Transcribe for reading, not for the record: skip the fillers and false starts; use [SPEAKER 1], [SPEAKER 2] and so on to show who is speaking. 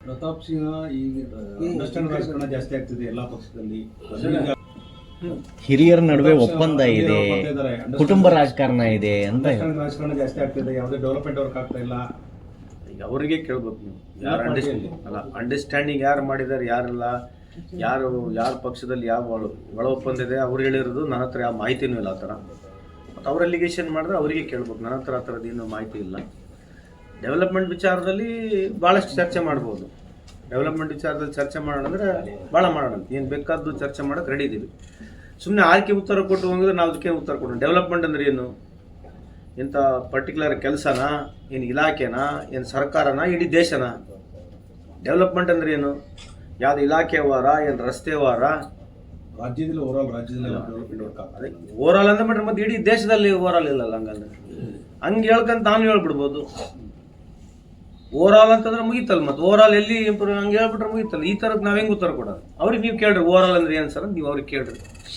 [SPEAKER 1] ಪ್ರತಾಪ್ ಸಿಂಹ ಈಗ ಅಂಡರ್ಸ್ಟ್ಯಾಂಡ್ ರಾಜಕಾರಣ ಜಾಸ್ತಿ ಆಗ್ತಿದೆ ಎಲ್ಲ ಪಕ್ಷದಲ್ಲಿ.
[SPEAKER 2] ಹಿರಿಯರ ನಡುವೆ ಒಪ್ಪಂದ ಇದೆ, ಕುಟುಂಬ ರಾಜಕಾರಣ ಇದೆ ಅಂತ.
[SPEAKER 1] ರಾಜಕಾರಣ ಜಾಸ್ತಿ ಆಗ್ತಿದೆ, ಯಾವುದೇ ಡೆವಲಪ್ಮೆಂಟ್ ವರ್ಕ್ ಆಗ್ತಾ ಇಲ್ಲ.
[SPEAKER 3] ಈಗ ಅವರಿಗೆ ಕೇಳ್ಬೇಕು ನೀವು, ಯಾರು ಅಂಡರ್ಸ್ಟ್ಯಾಂಡಿಂಗ್ ಯಾರು ಮಾಡಿದ್ದಾರೆ, ಯಾರೆಲ್ಲ ಯಾರ ಪಕ್ಷದಲ್ಲಿ ಯಾವ ಒಳ ಒಪ್ಪಂದ ಇದೆ ಅವ್ರು ಹೇಳಿರೋದು. ನನ್ನ ಹತ್ರ ಯಾವ ಮಾಹಿತಿನೂ ಇಲ್ಲ ಆ ಥರ. ಮತ್ತು ಅವ್ರು ಅಲಿಗೇಷನ್ ಮಾಡಿದ್ರೆ ಅವರಿಗೆ ಕೇಳ್ಬೇಕು. ನನ್ನ ಹತ್ರ ಆ ಥರದ್ದು ಏನೂ ಮಾಹಿತಿ ಇಲ್ಲ. ಡೆವಲಪ್ಮೆಂಟ್ ವಿಚಾರದಲ್ಲಿ ಭಾಳಷ್ಟು ಚರ್ಚೆ ಮಾಡ್ಬೋದು. ಡೆವಲಪ್ಮೆಂಟ್ ವಿಚಾರದಲ್ಲಿ ಚರ್ಚೆ ಮಾಡೋಣ ಅಂದರೆ ಭಾಳ ಮಾಡೋಣ, ಏನು ಬೇಕಾದ್ದು ಚರ್ಚೆ ಮಾಡೋಕ್ಕೆ ರೆಡಿ ಇದ್ದೀವಿ. ಸುಮ್ಮನೆ ಆರ್ಕೆ ಉತ್ತರ ಕೊಟ್ಟು ಹೋಗಿದ್ರೆ ನಾವು ಅದಕ್ಕೆ ಉತ್ತರ ಕೊಡೋಣ. ಡೆವಲಪ್ಮೆಂಟ್ ಅಂದರೆ ಏನು? ಇಂಥ ಪರ್ಟಿಕ್ಯುಲರ್ ಕೆಲಸನಾ, ಏನು ಇಲಾಖೆನಾ, ಏನು ಸರ್ಕಾರನ, ಇಡೀ ದೇಶನಾ? ಡೆವಲಪ್ಮೆಂಟ್ ಅಂದರೆ ಏನು? ಯಾವುದು ಇಲಾಖೆ ವಾರ, ಏನು ರಸ್ತೆ ವಾರ?
[SPEAKER 1] ರಾಜ್ಯದಲ್ಲಿ ರಾಜ್ಯದಲ್ಲಿ ಡೆವಲಪ್ಮೆಂಟ್ ವರ್ಕ್ ಆಗ್ತದೆ.
[SPEAKER 3] ಅದೇ ಓವರಾಲ್ ಅಂದ್ರೆ ಬಿಟ್ರೆ ಮತ್ತೆ ಇಡೀ ದೇಶದಲ್ಲಿ ಓವರಾಲ್ ಇಲ್ಲಲ್ಲ. ಹಂಗೆ ಹೇಳ್ಕಂತ ನಾನು ಹೇಳ್ಬಿಡ್ಬೋದು. ಓವರಾಲ್ ಅಂತಂದ್ರೆ ಮುಗೀತಲ್ಲ. ಮತ್ತೆ ಓವರಾಲ್ ಎಲ್ಲಿ ಇಂಪ್ರೂವ್ ಹಂಗೆ ಹೇಳ್ಬಿಟ್ರೆ ಮುಗೀತಲ್ಲ. ಈ ಥರಕ್ಕೆ ನಾವು ಹೆಂಗೆ ಉತ್ತರ ಕೊಡೋದು? ಅವ್ರಿಗೆ ನೀವು ಕೇಳ್ರಿ ಓವರಾಲ್ ಅಂದ್ರೆ ಏನು ಸರ್, ನೀವು ಅವ್ರಿಗೆ ಕೇಳ್ರಿ.